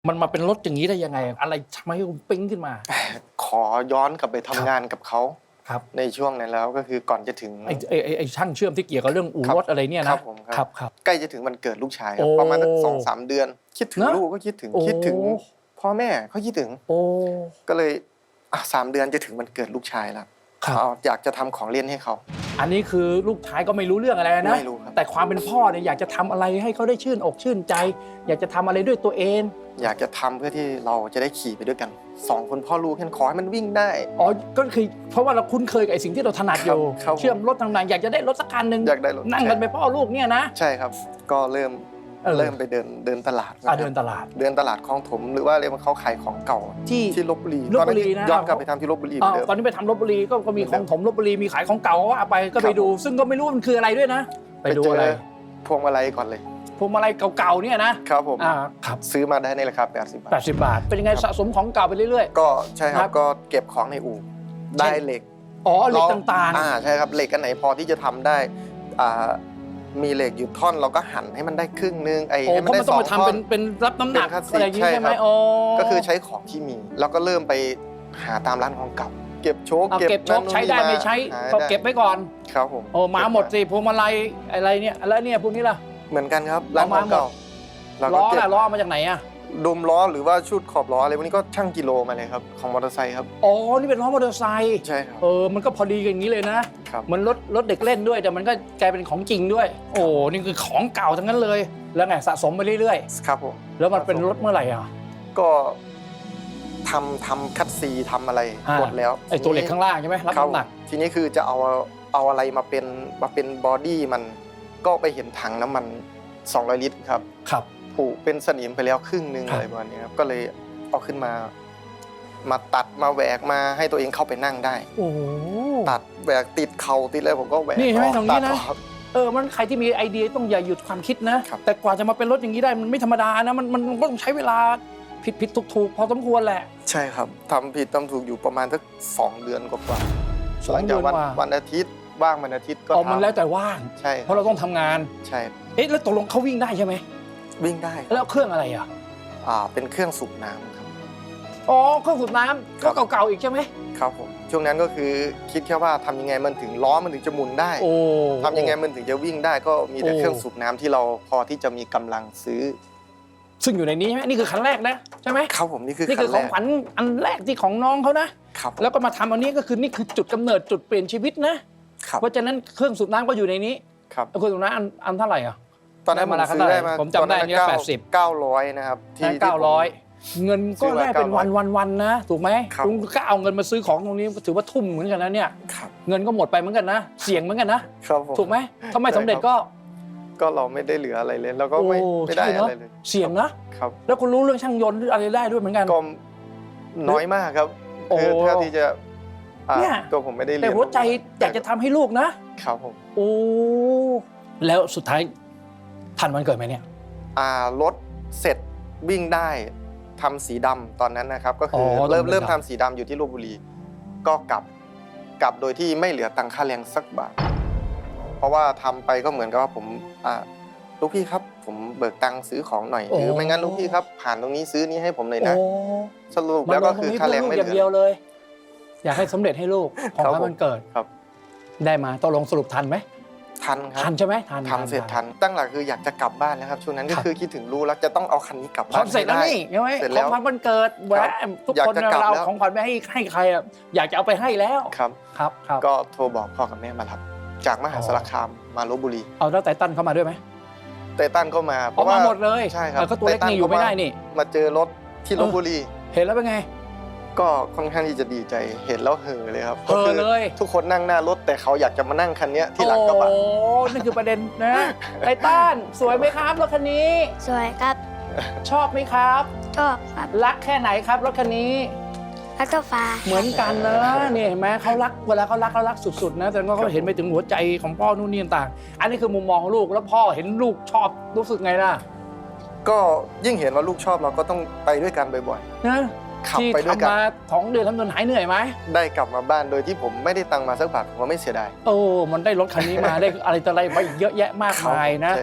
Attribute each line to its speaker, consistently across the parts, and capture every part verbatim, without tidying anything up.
Speaker 1: มันมาเป็นรถอย่างนี้ได้ยังไงอะไรทำให้คุณปิ๊งขึ้นมา
Speaker 2: ขอย้อนกลับไปทำงานกับเขา
Speaker 1: ครับ
Speaker 2: ในช่วงนั้นแล้วก็คือก่อนจะถึง
Speaker 1: ไอ้ไอ้ไอ้ช่างเชื่อมที่เกี่ยวกับเรื่องอู่รถอะไรเนี่ยนะครับ
Speaker 2: ผม
Speaker 1: ครับครับ
Speaker 2: ใกล้จะถึงวันเกิดลูกชายครับประมาณสักสองสามเดือนคิดถึงลูกก็คิดถึงคิดถึงพ่อแม่เขาคิดถึงก็เลยสามเดือนจะถึงวันเกิดลูกชายแล้วเขาอยากจะทำของเล่นให้เขา
Speaker 1: อันนี้คือลูกชายก็ไม่รู้เรื่องอะไรนะ
Speaker 2: ไม่รู้ครับ
Speaker 1: แต่ความเป็นพ่อเนี่ยอยากจะทำอะไรให้เขาได้ชื่นอกชื่นใจอยากจะทำอะไรด้วยตัวเอง
Speaker 2: อยากจะทำเพื่อที่เราจะได้ขี่ไปด้วยกันสองคนพ่อลูกแค่ขอให้มันวิ่งได้
Speaker 1: อ๋อก็คือเพราะว่าเราคุ้นเคยกับไอ้สิ่งที่เราถนัดอยู่เชื่อมรถต่างๆอยากจะได้รถสักคันหนึ่ง
Speaker 2: อยากได้รถ
Speaker 1: นั่งกันไปพ่อลูกเนี่ยนะ
Speaker 2: ใช่ครับก็เริ่มเริ่มไปเดินเดินตลาด
Speaker 1: เดินตลาด
Speaker 2: เดินตลาดคลองถมหรือว่าเรียกว่าเขาขายของเก่าที่ที่ลบบุรี
Speaker 1: ตอนนั้น
Speaker 2: ย้อนกลับไปทำที่ลบบุรี
Speaker 1: ตอนนี้ไปทำลบบุรีก็มีของถมลบบุรีมีขายของเก่าว่าไปก็ไปดูซึ่งก็ไม่รู้มันคืออะไรด้วยนะไปดูอะไร
Speaker 2: พวงมาลัยก่อนเลย
Speaker 1: พวงมาลัยเก่าๆเนี่ยนะครับ
Speaker 2: ผมครับซื้อมาได้ในราคาแปดสิบบาท
Speaker 1: แปดสิบบาทเป็นยังไงสะสมของเก่าไปเรื่อย
Speaker 2: ๆก็ใช่ครับก็เก็บของในอู่ได้เหล็ก
Speaker 1: อ๋อเหล็กต่าง
Speaker 2: ๆอ่าใช่ครับเหล็กอันไหนพอที่จะทำได้อ่ามีเหล็กอยู่ท่อนเราก็หั่นให้มันได้ครึ่งนึงไอ้ให้มันได้สองท่อน
Speaker 1: เป็นเป็นรับน้ำหนักอะไรอย่างนี้ใช่ไหมโอ้
Speaker 2: ก็คือใช้ของที่มีแล้วก็เริ่มไปหาตามร้านของเก่าเก็บโชค
Speaker 1: เก็บโชคใช้ได้ไม่ใช้ก็เก็บไว้ก่อน
Speaker 2: ครับผม
Speaker 1: โอ้มาหมดสิพวงมาลัยอะไรเนี่ยแล้วเนี่ยพวกนี้ล่ะ
Speaker 2: เหมือนกันครับร้านของเก่า
Speaker 1: ล้อล่ะล้อมาจากไหนอะ
Speaker 2: ดมล้อหรือว่าชุดขอบล้ออะไรพวกนี้ก็ช่างกิโลมาเลยครับของมอเตอร์ไซค์ครับ
Speaker 1: อ๋อนี่เป็นล้อมอเตอร์ไซค์
Speaker 2: ใช่ครับ
Speaker 1: เออมันก็พอดีกันอย่างนี้เลยนะครับมันรถรถเด็กเล่นด้วยแต่มันก็กลายเป็นของจริงด้วยโอ้นี่คือของเก่าทั้งนั้นเลยแล้วไงสะสมไปเรื่อย
Speaker 2: ๆครับผม
Speaker 1: แล้วมันเป็นรถเมื่อไหร่อ่ะ
Speaker 2: ก็ทำทำคัดซีทำอะไรหมดแล้ว
Speaker 1: ไอ้ตัวเหล็กข้างล่างใช่ไหมรับน้ำหนัก
Speaker 2: ทีนี้คือจะเอาเอาอะไรมาเป็นมาเป็นบอดี้มันก็ไปเห็นถังน้ำมันสองร้อยลิตรครับ
Speaker 1: ครับ
Speaker 2: ผูกเป็นสนิมไปแล้วครึ่งนึงอะไรประมาณนี้ครับก็เลยเอาขึ้นมามาตัดมาแหวกมาให้ตัวเองเข้าไปนั่งได้
Speaker 1: โอ้
Speaker 2: ตัดแหวกติดเข่าติดอะไรผมก็แหวก
Speaker 1: นี่ใช่ไหมตรงนี้นะเออมันใครที่มีไอเดียต้องอย่าหยุดความคิดนะแต่กว่าจะมาเป็นรถอย่างนี้ได้มันไม่ธรรมดานะมันมันต้องใช้เวลาผิดผิดถูกถูกพอสมควรแหละ
Speaker 2: ใช่ครับทำผิดทำถูกอยู่ประมาณสักสองเดือนกว่าหลังจากวันวันอาทิตย์ว่างวันอาทิตย์ก็
Speaker 1: ทำมันแล้วแต่ว่าง
Speaker 2: ใช่
Speaker 1: เพราะเราต้องทำงาน
Speaker 2: ใช่
Speaker 1: เอ๊ะแล้วตกลงเขาวิ่งได้ใช่ไหม
Speaker 2: วิ่งได้
Speaker 1: แล้วเครื่องอะไรอ่ะ
Speaker 2: อ่าเป็นเครื่องสูบน้ำครับ
Speaker 1: อ๋อเครื่องสูบน้ำก็เก่าๆอีกใช่ไหม
Speaker 2: ครับผมช่วงนั้นก็คือคิดแค่ว่าทำยังไงมันถึงล้อมันถึงจะหมุนได้ทำยังไงมันถึงจะวิ่งได้ก็มีแต่เครื่องสูบน้ำที่เราพอที่จะมีกำลังซื้อ
Speaker 1: ซึ่งอยู่ในนี้ใช่ไหมนี่คือคันแรกนะใช่ไหม
Speaker 2: ครับผมนี่คือ
Speaker 1: นี่คือของขวัญอันแรกที่ของน้องเขานะครับแล้วก็มาทำอันนี้ก็คือนี่คือจุดกำเนิดจุดเปลี่ยนชีวิตนะเพราะฉะนั้นเครื่องสูบน้ำก็อยู่ในนี้
Speaker 2: ครับ
Speaker 1: เครื่องสูบน้ำอันอันเท่าไหร่อ่ะ
Speaker 2: ตอนนั้นผมซื้อได้มา
Speaker 1: ผมจำได้เนี่ยแปดสิบ
Speaker 2: เก้าร้อยนะครับ
Speaker 1: ที่เก้าร้อยเงินก็ได้เป็นวันวันวันนะถูกไหมลุงก็เอาเงินมาซื้อของตรงนี้ถือว่าทุ่มเหมือนกันนะเนี่ยเงินก็หมดไปเหมือนกันนะเสี่ยงเหมือนกันนะถูกไหมถ้าไม่สำเร็จก็
Speaker 2: ก็เราไม่ได้เหลืออะไรเลยเราก็ไม่ไม่ได้อะไรเลย
Speaker 1: เสี่ยงนะครับแล้วคุณรู้เรื่องช่างยนต์อะไรได้ด้วยเหมือนกัน
Speaker 2: ก็น้อยมากครับคือเท่าที่จะตัวผมไม่ได้เรียน
Speaker 1: แต่หัวใจอยากจะทำให้ลูกนะครับ
Speaker 2: ผม
Speaker 1: โอ้แล้วสุดท้ายทันวันเกิดไหมเนี่ย
Speaker 2: อ่ารถเสร็จวิ่งได้ทำสีดำตอนนั้นนะครับก็คือเริ่มเริ่มทำสีดำอยู่ที่ลพบุรีก็กลับกลับโดยที่ไม่เหลือตังค่าแรงสักบาทเพราะว่าทำไปก็เหมือนกับว่าผมอ่าลูกพี่ครับผมเบิกตังค์ซื้อของหน่อยหรือไม่งั้นลูกพี่ครับผ่านตรงนี้ซื้อนี้ให้ผมหน่อยนะสรุปแล้วก็คือค่าแรงไม่เหลือ
Speaker 1: เดียวเลยอยากให้สำเร็จให้ลูกของวันเกิด
Speaker 2: ครับ
Speaker 1: ได้มาตกลงสรุปทันไหม
Speaker 2: ทันครับ
Speaker 1: ทันใช่ไหมทัน
Speaker 2: ทำเสร็จทันตั้งหลักคืออยากจะกลับบ้านแล้วครับช่วงนั้นก็คือคิดถึงลูกแล้วจะต้องเอาคันนี้กลับบ้าน
Speaker 1: เสร็จแล้วนี่ใช่ไหมของขวัญวันเกิดแหวะทุกคนเราของขวัญไปให้ให้ใครอ่ะอยากจะเอาไปให้แล้ว
Speaker 2: ครับ
Speaker 1: ครับครับ
Speaker 2: ก็โทรบอกพ่อกับแม่มารับจากมหาสารคามมาลพบุรี
Speaker 1: เอาแล้วไตตันเข้ามาด้วยไหม
Speaker 2: ไตตันเข้ามา
Speaker 1: เพราะว่าหมดเลย
Speaker 2: ใช่ครับ
Speaker 1: ก็ตัวเล็กนี่อยู่ไม่ได้นี่
Speaker 2: มาเจอรถที่ลพบุรี
Speaker 1: เห็นแล้วเป็นไง
Speaker 2: ก็ค่อนข้างที่จะดีใจเห็นแล้วเห่อเลยครับ
Speaker 1: เห่อเลย
Speaker 2: ทุกคนนั่งหน้ารถแต่เขาอยากจะมานั่งคันนี้ที่หลังกระบะ
Speaker 1: โอ้นั่นคือประเด็นนะไททันสวยไหมครับรถคันนี้
Speaker 3: สวยครับ
Speaker 1: ชอบไหมครับ
Speaker 3: ชอบครับ
Speaker 1: รักแค่ไหนครับรถคันนี้
Speaker 3: รักเท่าฟ้า
Speaker 1: เหมือนกันนะนี่เห็นไหมเขารักเวลาเขารักเขารักสุดๆนะแต่ก็เขาเห็นไปถึงหัวใจของพ่อนู่นนี่ต่างอันนี้คือมุมมองของลูกแล้วพ่อเห็นลูกชอบรู้สึกไงล่ะ
Speaker 2: ก็ยิ่งเห็นว่าลูกชอบเราก็ต้องไปด้วยกันบ่อย
Speaker 1: ๆนะ
Speaker 2: ขับไปด้วยกัน
Speaker 1: มาสองเดือนทำจนหายเหนื่อยไหม
Speaker 2: ได้กลับมาบ้านโดยที่ผมไม่ได้ตังมาสักบาทผมว่าไม่เสียดาย
Speaker 1: โอ้มันได้รถคันนี้มาได้อะไรต่ออะไรมาอีกเยอะแยะมากมายนะ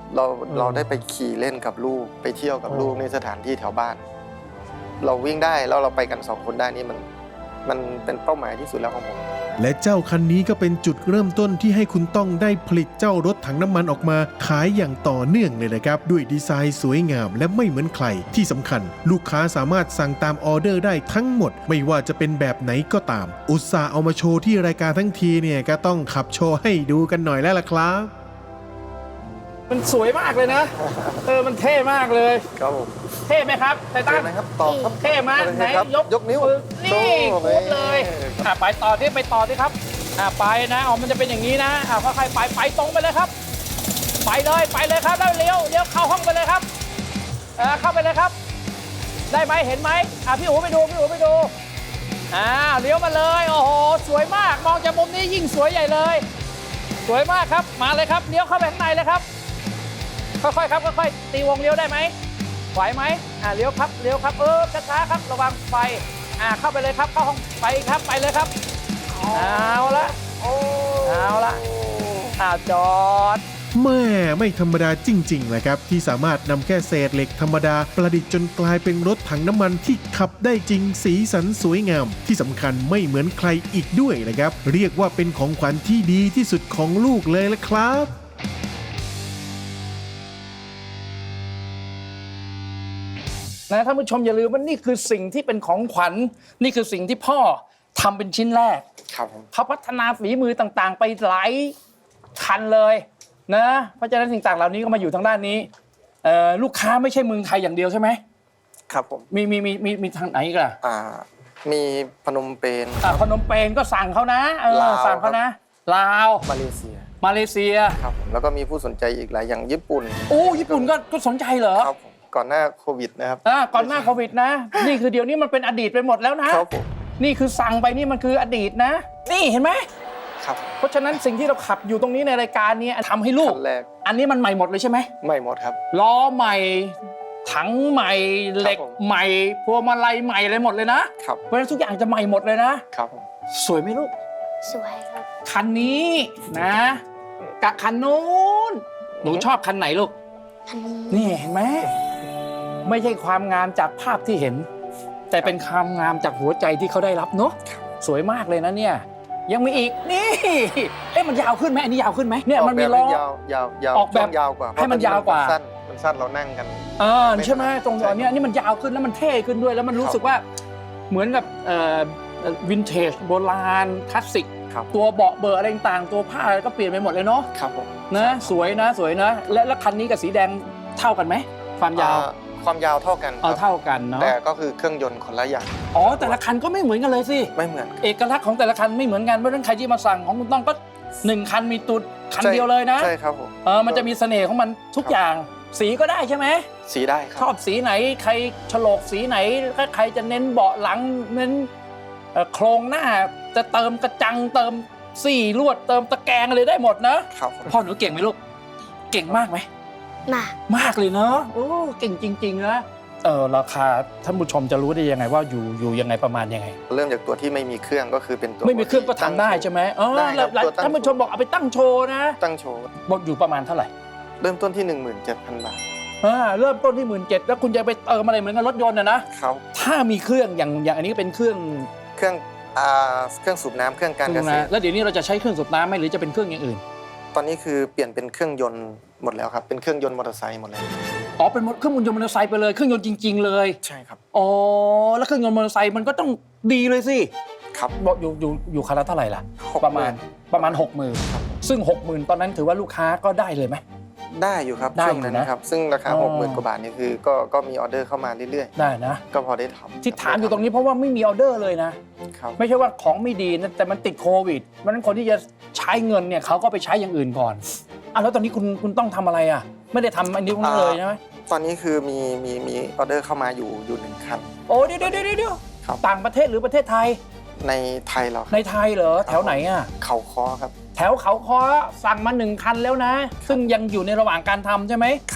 Speaker 2: เราเราได้ไปขี่เล่นกับลูกไปเที่ยวกับลูกในสถานที่แถวบ้าน เราวิ่งได้แล้วเราไปกันสองคนได้นี่มันมันเป็นเป้าหมายที่สุดแล้วของผม
Speaker 4: และเจ้าคันนี้ก็เป็นจุดเริ่มต้นที่ให้คุณต้องได้ผลิตเจ้ารถถังน้ำมันออกมาขายอย่างต่อเนื่องเลยนะครับด้วยดีไซน์สวยงามและไม่เหมือนใครที่สำคัญลูกค้าสามารถสั่งตามออเดอร์ได้ทั้งหมดไม่ว่าจะเป็นแบบไหนก็ตามอุตส่าห์เอามาโชว์ที่รายการทั้งทีเนี่ยก็ต้องขับโชว์ให้ดูกันหน่อยแล้วล่ะครับ
Speaker 1: มันสวยมากเลยนะเออมันเท่มากเลย
Speaker 2: ครับผม
Speaker 1: เท่ไหมครับไททัน
Speaker 2: นะครับต่อครับ
Speaker 1: เท่มากไหนยก
Speaker 2: ยกนิ้ว
Speaker 1: นี่คุบเลยอ่ะไปต่อที่ไปต่อที่ครับอ่ะไปนะอ๋อมันจะเป็นอย่างนี้นะอ่ะค่อยๆไปไปตรงไปเลยครับไปเลยไปเลยครับแล้วเลี้ยวเลี้ยวเข้าห้องไปเลยครับอ่าเข้าไปเลยครับได้ไหมเห็นไหมอ่ะพี่อู๋ไปดูพี่อู๋ไปดูอ่าเลี้ยวมาเลยโอ้โหสวยมากมองจากมุมนี้ยิ่งสวยใหญ่เลยสวยมากครับมาเลยครับเลี้ยวเข้าไปข้างในเลยครับค่อยๆครับค่อยๆตีวงเลี้ยวได้ไหมไหวไหมอ่าเลี้ยวครับเลี้ยวครับเออช้าๆครับระวังไฟอ่าเข้าไปเลยครับเข้าห้องไปครับไปเลยครับเอาละเอาละอ่าจอด
Speaker 4: แม่ไม่ธรรมดาจริงๆนะครับที่สามารถนำแค่เศษเหล็กธรรมดาประดิษฐ์จนกลายเป็นรถถังน้ำมันที่ขับได้จริงสีสันสวยงามที่สำคัญไม่เหมือนใครอีกด้วยนะครับเรียกว่าเป็นของขวัญที่ดีที่สุดของลูกเลยละครับ
Speaker 1: นะท่านผู้ชมอย่าลืมว่านี่คือสิ่งที่เป็นของขวัญนี่คือสิ่งที่พ่อทำเป็นชิ้นแรก
Speaker 2: ครับ
Speaker 1: เขาพัฒนาฝีมือต่างๆไปหลายคันเลยนะเพราะฉะนั้นสิ่งต่างเหล่านี้ก็มาอยู่ทางด้านนี้ลูกค้าไม่ใช่เมืองไทยอย่างเดียวใช่ไหม
Speaker 2: ครับผม
Speaker 1: มีมีมีมีมีทางไหนอีกล่ะ
Speaker 2: อ่ามีพนมเปญ
Speaker 1: อ่าพนมเปญก็สั่งเขานะเออสั่งเขานะลาว
Speaker 2: มาเลเซีย
Speaker 1: มาเลเซีย
Speaker 2: ครับผมแล้วก็มีผู้สนใจอีกหลายอย่างญี่ปุ่น
Speaker 1: โอ้ญี่ปุ่นก็ก็สนใจเหรอ
Speaker 2: ครับผมก่อนหน้าโควิดนะครับ
Speaker 1: อ่าก่อนหน้าโควิดนะนี่คือเดี๋ยวนี้มันเป็นอดีตไปหมดแล้วนะครับ
Speaker 2: ผม
Speaker 1: นี่คือสั่งไปนี่มันคืออดีตนะนี่เห็นไหม
Speaker 2: ครับ
Speaker 1: เพราะฉะนั้นสิ่งที่เราขับอยู่ตรงนี้ในรายการนี้ทำให้ลูกอันนี้มันใหม่หมดเลยใช่ไหม
Speaker 2: ใหม่หมดครับ
Speaker 1: ล้อใหม่ถังใหม่เหล็กใหม่พวงมาลัยใหม่เลยหมดเลยนะครับเพราะฉะนั้นทุกอย่างจะใหม่หมดเลยนะครับสวยไหมลูก
Speaker 3: สวยครับ
Speaker 1: คันนี้นะกับคันนู้นหนูชอบคันไหนลูกนี่เห็นไหมไม่ใช่ความงามจากภาพที่เห็นแต่เป็นความงามจากหัวใจที่เขาได้รับเนาะสวยมากเลยนะเนี่ยยังมีอีกนี่เอ๊ะมันยาวขึ้นไหมอันนี้ยาวขึ้นไหมเนี่ยมันมีล้อย
Speaker 2: าวยาวยาว
Speaker 1: ออกแบบ
Speaker 2: ยาวกว่า
Speaker 1: ให้มันยาวกว่า
Speaker 2: สั้นมันสั้นเรานั่งกัน
Speaker 1: เออใช่ไหมตรงตอนนี้นี่มันยาวขึ้นแล้วมันเท่ขึ้นด้วยแล้วมันรู้สึกว่าเหมือนกับเอ่อวินเทจโบราณคลาสสิกตัวเบาะเบอร์อะไรต่างตัวผ้าก็เปลี่ยนไปหมดเลยเนาะ
Speaker 2: ครับผม
Speaker 1: นะสวยนะสวยนะและแล้วคันนี้กับสีแดงเท่ากันไหมความยาว
Speaker 2: ความยาวเท่ากัน
Speaker 1: เอาเท่ากันเนาะ
Speaker 2: แต่ก็คือเครื่องยนต์คนละอย่าง
Speaker 1: อ๋อแต่ละคันก็ไม่เหมือนกันเลยสิ
Speaker 2: ไม่เหมือน
Speaker 1: เอกลักษณ์ของแต่ละคันไม่เหมือนกันเพราะฉะนั้นใครที่มาสั่งของคุณต้องก็หนึ่งคันมีตุดคันเดียวเลยนะ
Speaker 2: ใช่ครับผม
Speaker 1: เออมันจะมีเสน่ห์ของมันทุกอย่างสีก็ได้ใช่ไหม
Speaker 2: สีได้ครับ
Speaker 1: ชอบสีไหนใครฉลกสีไหนใครจะเน้นเบาะหลังเน้นโครงหน้าจะเติมกระจังเติมสี่ลวดเติมตะแกรงอะไรได้หมดนะครับพ่อหนูเก่งไหมลูกเก่งมากไหม
Speaker 3: มาก
Speaker 1: มากเลยเนาะโอ้เก่งจริงๆนะเออราคาท่านผู้ชมจะรู้ได้ยังไงว่าอยู่อยู่ยังไงประมาณยังไง
Speaker 2: เริ่มจากตัวที่ไม่มีเครื่องก็คือเป็นตัว
Speaker 1: ไม่มีเครื่องก็ทำได้ใช่ไหมอ๋อท่านผู้ชมบอกเอาไปตั้งโชว์นะ
Speaker 2: ตั้งโชว์
Speaker 1: บอกอยู่ประมาณเท่าไหร่
Speaker 2: เริ่มต้นที่ หนึ่งหมื่นเจ็ดพัน บาท
Speaker 1: อ่าเริ่มต้นที่ หนึ่งหมื่นเจ็ดพัน แล้วคุณจะไปเติมอะไรเหมือนกับรถยนต์นะนะครับถ้ามีเครื่องอย่างอย่างอันนี้เป็นเครื่อง
Speaker 2: เครื่องอ่าเครื่องสูบน้ำเครื่องการเกษตร
Speaker 1: แล้วเดี๋ยวนี้เราจะใช้เครื่องสูบน้ำไหมหรือจะเป็นเครื่องอย่างอื่น
Speaker 2: ตอนนี้คือเปลี่ยนเป็นเครื่องยนต์หมดแล้วครับเป็นเครื่องยนต์มอเตอร์ไซค์หมดเลย
Speaker 1: อ๋อเป็นเครื่องยนต์มอเตอร์ไซค์ไปเลยเครื่องยนต์จริงๆเลย
Speaker 2: ใช่ครับ
Speaker 1: อ๋อแล้วเครื่องยนต์มอเตอร์ไซค์มันก็ต้องดีเลยสิ
Speaker 2: ครับ
Speaker 1: บอกอยู่อยู่อยู่คันละเท่าไหร่ล่ะประมาณประมาณ หกหมื่น ซึ่ง หกหมื่น ตอนนั้นถือว่าลูกค้าก็ได้เลยไหม
Speaker 2: ได้อยู่ครับช่วงนั้นนะครับซึ่งราคา หกหมื่น กว่าบาทนี่คือก็ก็มีออเดอร์เข้ามาเรื่อย
Speaker 1: ๆได้นะ
Speaker 2: ก็พอได้ทำ
Speaker 1: ที่ถามอยู่ตรงนี้เพราะว่าไม่มีออเดอร์เลยนะครับไม่ใช่ว่าของไม่ดีนะแต่มันติดโควิดเพราะฉะนั้นคนที่จะใช้เงินเนี่ยเขาก็ไปใช้อย่างอื่นก่อนอ่ะแล้วตอนนี้คุณคุณต้องทำอะไรอ่ะไม่ได้ทำอันนี้คุณเลยใช่ไหม
Speaker 2: ตอนนี้คือมีมีมีออเดอร์เข้ามาอยู่อยู่หนึ่งคัน
Speaker 1: โอ้เดี๋ยวเดี๋ยวเดี๋ยวต่างประเทศหรือประเทศไทย
Speaker 2: ในไทยเรา
Speaker 1: ในไทยเหรอแถวไหนอ่ะ
Speaker 2: เขาค้อครับ
Speaker 1: แถวเขาค้อสั่งมาหนึ่งคันแล้วนะซึ่งยังอยู่ในระหว่างการทำใช่ไหม
Speaker 2: ครับ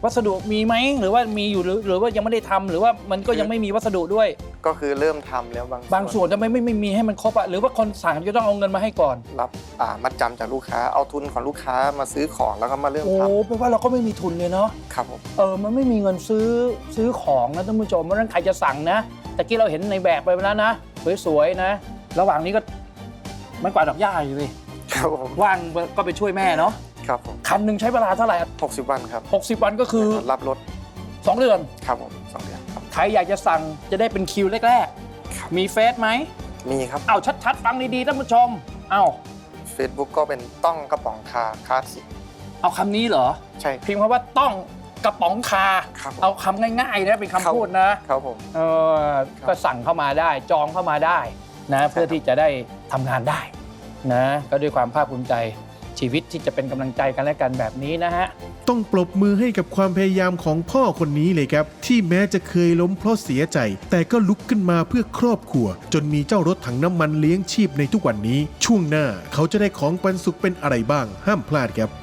Speaker 1: วัสดุมีไหมหรือว่ามีอยู่หรือหรือว่ายังไม่ได้ทำหรือว่ามันก็ยังไม่มีวัสดุด้วย
Speaker 2: ก็คือเริ่มทำแล้วบาง
Speaker 1: บางส่วนทำไมไม่ไม่มีให้มันครบอะหรือว่าคนสั่งจะต้องเอาเงินมาให้ก่อน
Speaker 2: รับอ่ามัดจำจากลูกค้าเอาทุนของลูกค้ามาซื้อของแล้วก็มาเริ่ม
Speaker 1: โอ้
Speaker 2: ท
Speaker 1: แปลว่าเราก็ไม่มีทุนเลยเนาะ
Speaker 2: ำครับผม
Speaker 1: เออมันไม่มีเงินซื้อซื้อของนะท่านผู้ชมเพราะฉะนั้นใครจะสั่งนะแต่กี้เราเห็นในแบบไปแล้วนะสวยๆนะระหว่างนี้ก็ไม่กวาดดอกหญ้าอยู่เลย
Speaker 2: ครับผม
Speaker 1: ว่างก็ไปช่วยแม่เนาะ
Speaker 2: ครับผม
Speaker 1: คันหนึ่งใช้เวลาเท่าไหร่
Speaker 2: หกสิบวันครับ
Speaker 1: หกสิบวันก็คือ
Speaker 2: รับรถ
Speaker 1: สองเดือน
Speaker 2: ครับผมสองเดือนครับ
Speaker 1: ใครอยากจะสั่งจะได้เป็นคิวแรก
Speaker 2: ครับ
Speaker 1: ๆมีเฟซไหม
Speaker 2: มีครับ
Speaker 1: เอาชัดๆฟังดีๆท่านผู้ชมเอา
Speaker 2: Facebook ก็เป็นต้องกระป๋องคาคลาสสิก
Speaker 1: เอาคำนี้เหรอ
Speaker 2: ใช่
Speaker 1: พิมพ์คำว่าต้องกระป๋องคา
Speaker 2: ครับผม
Speaker 1: เอาคำง่ายๆนะเป็นคำพูดนะครับ
Speaker 2: ผม
Speaker 1: เออก็สั่งเข้ามาได้จองเข้ามาได้นะเพื่อที่จะได้ทำงานได้นะก็ด้วยความภาคภูมิใจชีวิตที่จะเป็นกำลังใจกันและกันแบบนี้นะฮะ
Speaker 4: ต้องปรบมือให้กับความพยายามของพ่อคนนี้เลยครับ ที่แม้จะเคยล้มเพราะเสียใจ แต่ก็ลุกขึ้นมาเพื่อครอบครัว จนมีเจ้ารถถังน้ำมันเลี้ยงชีพในทุกวันนี้ ช่วงหน้าเขาจะได้ของปันสุขเป็นอะไรบ้าง ห้ามพลาดครับ